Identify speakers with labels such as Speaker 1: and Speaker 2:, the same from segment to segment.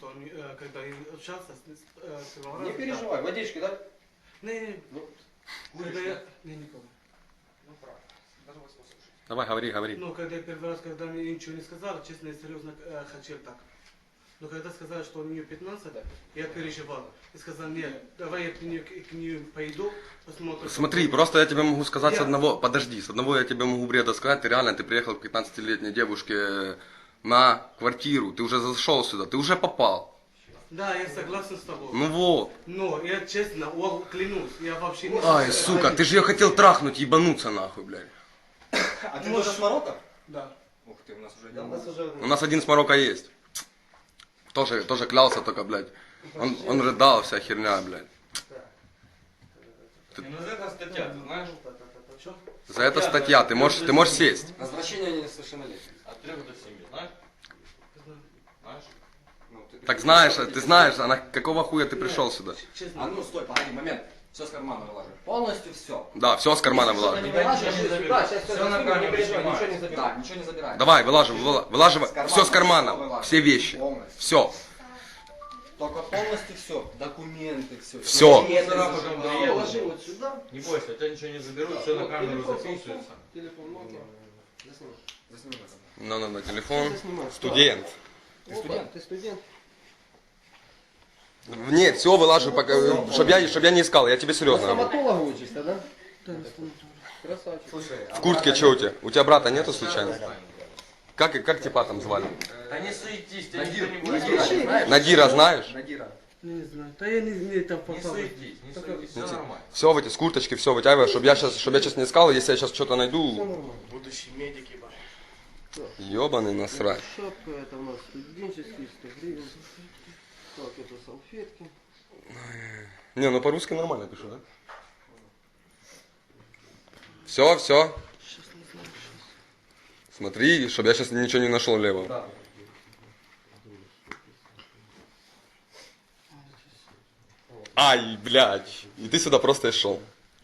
Speaker 1: что он, когда я общался с первого
Speaker 2: Не
Speaker 1: раза,
Speaker 2: переживай, водички, да?
Speaker 1: Не,
Speaker 2: Ну,
Speaker 1: когда я... Не, никого.
Speaker 2: ну правильно. Даже вас послушать.
Speaker 3: Давай, говори.
Speaker 1: Ну, когда я первый раз, когда мне ничего не сказали, честно, я серьезно хотел так. Но когда сказали, что у нее 15, я переживал. И сказал, нет, давай я к ней пойду, посмотрим.
Speaker 3: Смотри, просто я тебе могу сказать с
Speaker 1: Я-
Speaker 3: одного, подожди, с одного я тебе могу бреда сказать, ты реально, ты приехал к 15-летней девушке на квартиру, ты уже зашел сюда, ты уже попал.
Speaker 1: Да, я согласен с тобой.
Speaker 3: Ну вот.
Speaker 1: Но я честно, клянусь, я вообще не...
Speaker 3: Ай, сука, ты же ее хотел трахнуть, ебануться нахуй, блядь.
Speaker 2: А ты тоже с Марокко?
Speaker 1: Да.
Speaker 2: Ух ты, у нас уже
Speaker 4: Да, у нас уже...
Speaker 3: У нас один с Марокко есть. Тоже клялся только, блядь. Он рыдал, вся херня, блядь.
Speaker 5: Ну это статья, ты знаешь?
Speaker 1: Что?
Speaker 3: За это статья, ты можешь сесть.
Speaker 2: Возвращение несовершеннолетних.
Speaker 5: От 3 до 7, знаешь? Знаешь?
Speaker 2: Ну,
Speaker 3: Так знаешь, ты знаешь, она какого хуя ты пришел сюда?
Speaker 1: Честно.
Speaker 2: А ну стой, погоди, момент. Все с кармана выложи. Полностью все.
Speaker 3: Да, все с кармана вылаживай.
Speaker 2: Да, сейчас
Speaker 5: Всё
Speaker 2: все
Speaker 5: на камеру
Speaker 2: не переживай,
Speaker 5: снимаю.
Speaker 2: ничего не забирай. Ничего не забирай.
Speaker 3: Давай, вылаживай, все с кармана,
Speaker 2: вылаживай.
Speaker 3: все вещи.
Speaker 2: Полностью.
Speaker 3: Все.
Speaker 2: Только полностью все. Документы, все.
Speaker 3: Всё.
Speaker 4: Положи вот сюда.
Speaker 5: Не бойся, тебя ничего не заберут, все на камеру записывается.
Speaker 4: Телефон, Nokia. Засними.
Speaker 2: Засними это.
Speaker 3: Телефон.
Speaker 4: Заснимай.
Speaker 3: Студент.
Speaker 2: Ты студент?
Speaker 4: Ты студент.
Speaker 3: Нет, все вылаживай, чтобы я не искал, я тебе
Speaker 4: На
Speaker 3: серьезно говорю.
Speaker 4: стоматолога учишься, да? Красавчик.
Speaker 2: Слушай,
Speaker 3: В куртке что у тебя? У тебя брата нету случайно? Как типа там звали?
Speaker 5: Да не суетись, тебя
Speaker 2: Надир,
Speaker 5: никто не будет.
Speaker 2: Надира, знаешь?
Speaker 3: Надира знаешь?
Speaker 2: Надира.
Speaker 1: Не знаю. Да я не там
Speaker 5: Не
Speaker 1: попал.
Speaker 5: суетись, все нормально.
Speaker 3: Все в эти с курточки, все вытягивай, чтобы я сейчас не искал, если я сейчас что-то найду.
Speaker 4: Будущий медик, ебать.
Speaker 3: Ебаный насрать.
Speaker 4: Шапка, это у нас студенческий, 100 гривен. Так, это салфетки.
Speaker 3: Не, ну по-русски нормально пишу, да? Все. Смотри, чтобы я сейчас ничего не нашел левого.
Speaker 2: Да.
Speaker 3: Ай, блядь. И ты сюда просто и шел.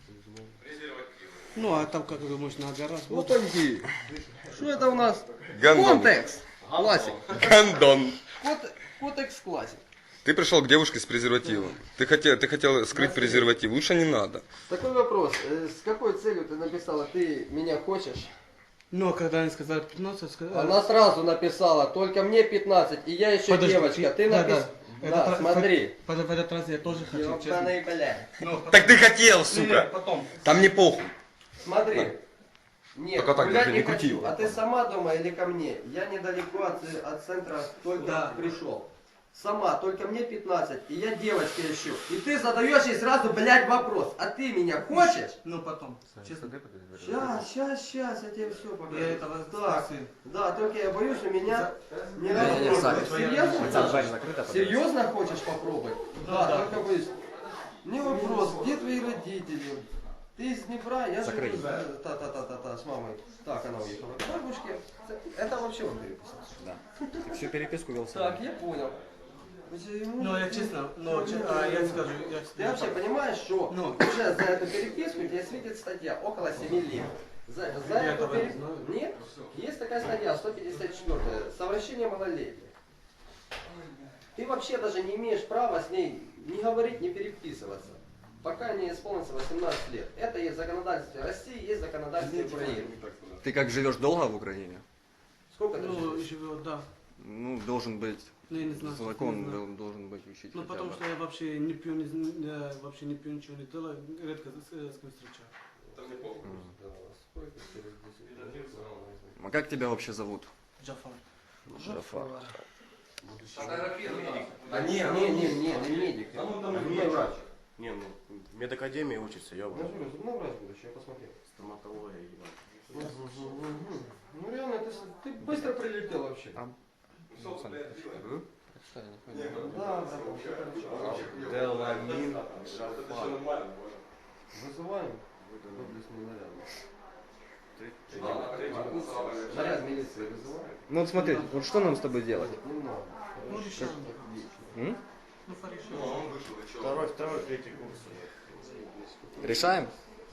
Speaker 1: Ну, а там, как вы думаешь, на гараж?
Speaker 4: Вот они. Что это у нас?
Speaker 3: Гандон.
Speaker 4: Контекс. Классик.
Speaker 3: Гандон.
Speaker 4: Контекс классик.
Speaker 3: Ты пришел к девушке с презервативом. Ты хотел скрыть презерватив. Лучше не надо.
Speaker 4: Такой вопрос. С какой целью ты написала, ты меня хочешь?
Speaker 1: Ну, а когда они сказали 15, сказали...
Speaker 4: Она сразу написала, только мне 15, и я еще
Speaker 1: Подожди,
Speaker 4: девочка. Ты
Speaker 1: да,
Speaker 4: написала...
Speaker 1: да.
Speaker 4: Да,
Speaker 1: Это
Speaker 4: смотри.
Speaker 1: В этот раз я тоже хотел, честно.
Speaker 4: Ёбаный, блядь.
Speaker 1: Ну,
Speaker 3: Так ты хотел,
Speaker 1: Не,
Speaker 3: сука.
Speaker 1: потом.
Speaker 3: Там не похуй.
Speaker 4: Смотри. Нет,
Speaker 3: Только так
Speaker 4: гулять
Speaker 3: даже,
Speaker 4: не
Speaker 3: не крути
Speaker 4: хочу.
Speaker 3: его.
Speaker 4: А ты сама дома или ко мне? Я недалеко от центра только
Speaker 1: Да.
Speaker 4: пришел. Сама, только мне 15, и я девочка еще. И ты задаешь ей сразу, блядь, вопрос. А ты меня хочешь?
Speaker 1: Ну, потом. Честно.
Speaker 4: Сейчас, я тебе все покажу.
Speaker 1: Я этого
Speaker 4: Так,
Speaker 1: спросил.
Speaker 4: да, только я боюсь, у меня не
Speaker 2: Не, Сань,
Speaker 4: Серьезно? Серьезно хочешь попробовать? Да, только боюсь. Не вопрос, где твои родители? Ты из Днепра, я живу с мамой. Так, она уехала к бабушке. Это вообще он переписал.
Speaker 2: Да. Всю переписку вел
Speaker 4: Так, я понял.
Speaker 1: Ну, я честно, я скажу,
Speaker 4: Ты вообще понимаешь, что
Speaker 1: Ну.
Speaker 4: уже за эту переписку тебе светит статья около 7 лет. За
Speaker 1: Я
Speaker 4: эту
Speaker 1: этого не знаю.
Speaker 4: Нет? Есть такая статья, 154, совращение малолетних. Ты вообще даже не имеешь права с ней не говорить, не переписываться, пока не исполнится 18 лет. Это есть в законодательстве России, есть в законодательстве Украины.
Speaker 2: Ты как живешь долго в Украине?
Speaker 4: Сколько ты
Speaker 1: Ну,
Speaker 4: живешь?
Speaker 1: живет, да.
Speaker 2: Ну, должен быть,
Speaker 1: Ну, я не знаю.
Speaker 2: закон
Speaker 1: не знаю.
Speaker 2: должен быть учить.
Speaker 1: Ну,
Speaker 2: хотя
Speaker 1: потому
Speaker 2: бы.
Speaker 1: что я вообще не пью, вообще не пью, ничего не делаю, редко с кем встречаю.
Speaker 2: А как тебя вообще зовут?
Speaker 1: Джафар.
Speaker 2: Джафар.
Speaker 4: А не, медик. Не врач.
Speaker 6: Не, ну, в медакадемии учится, я
Speaker 4: Ну, зубной врач будешь, я посмотрел.
Speaker 6: стоматология, ебать.
Speaker 4: Ну реально, ты быстро прилетел вообще. Да, вообще хорошо.
Speaker 6: Деламин Джафар.
Speaker 4: Вызываем доблестный наряд. Наряд милиции вызываем?
Speaker 2: Ну вот смотри, вот что нам с тобой делать?
Speaker 4: Немного.
Speaker 1: Ну, решаем.
Speaker 2: М?
Speaker 1: Ну, порешаем.
Speaker 6: Второй, третий курс.
Speaker 2: Решаем?